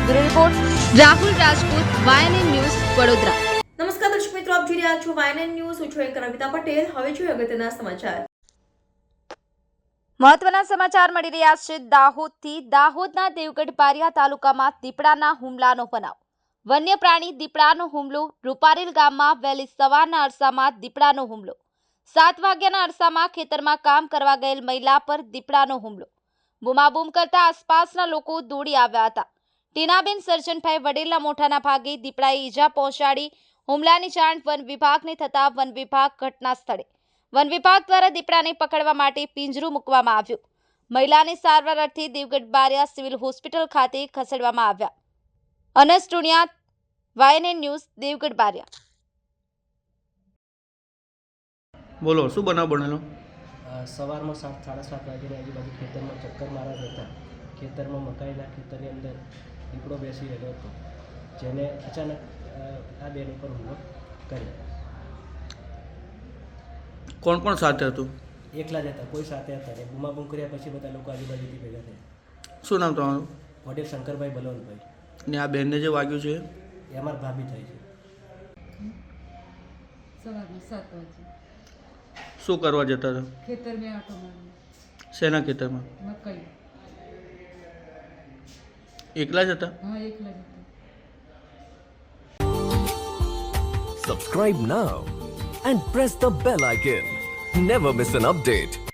Bureau report Rahul Rajput, YNN news, Vadodara. નમસ્કાર દર્શક મિત્રો, આપ જોઈ રહ્યા છો YNN ન્યૂઝ। હું છું એન્કર કવિતા પટેલ। હવે જોઈએ અગત્યના સમાચાર। મહત્વના સમાચાર મળી રહ્યા છે દાહોદથી। દાહોદના દેવગઢ બારિયા તાલુકામાં દીપડાના હુમલાનો બનાવ। વન્ય પ્રાણી દીપડાનો હુમલો। રૂપારેલ ગામમાં વહેલી સવારના અરસામાં દીપડાનો હુમલો। 7 વાગ્યાના અરસામાં ખેતરમાં કામ કરવા ગયેલ મહિલા પર દીપડાનો હુમલો। બૂમાબૂમ કરતા આસપાસના લોકો દોડી આવ્યા હતા। ટીનાબેન સરજનભાઈ વડેલના મોઢાના ભાગે દીપડાએ ઈજા પહોંચાડી। હુમલાની જાણ વન વિભાગને થતા વન વિભાગ ઘટના સ્થળે। વન વિભાગ દ્વારા દીપડાને પકડવા માટે પિંજરું મૂકવામાં આવ્યું। મહિલાને સારવાર અર્થે દેવગઢ બારિયા સિવિલ હોસ્પિટલ ખાતે ખસેડવામાં આવ્યા। Anas Tunia, YNN news, Devgadh Baria. બોલો, શું બનાવ બનેલો? સવારમાં 7:30 વાગ્યાની આજુબાજુ ખેતરમાં ચક્કર મારવા જતા ખેતરમાં મકાઈના ખેતરની અંદર દીપડો બેસી રહેલો હતો, જેને અચાનક આ બેન ઉપર હુમલો કર્યો। કોણ કોણ સાથે હતું? એકલા જ હતા, કોઈ સાથે હતા નહીં। બૂમાબૂમ કર્યા પછી બધા લોકો આજુબાજુથી ભેગા થયા। શું નામ તમારું? વડીલ શંકરભાઈ બલવંતભાઈ। ને આ બેનને જે વાગ્યું છે એ અમારા ભાભી થાય છે। સવારમાં 7 વાગે શું કરવા જતા હતા? ખેતર में आटो मारने। શેના ખેતરમાં? मकई। એકલા જ હતા? हाँ, एक लगे थे। Subscribe now and press the bell icon. Never miss an update.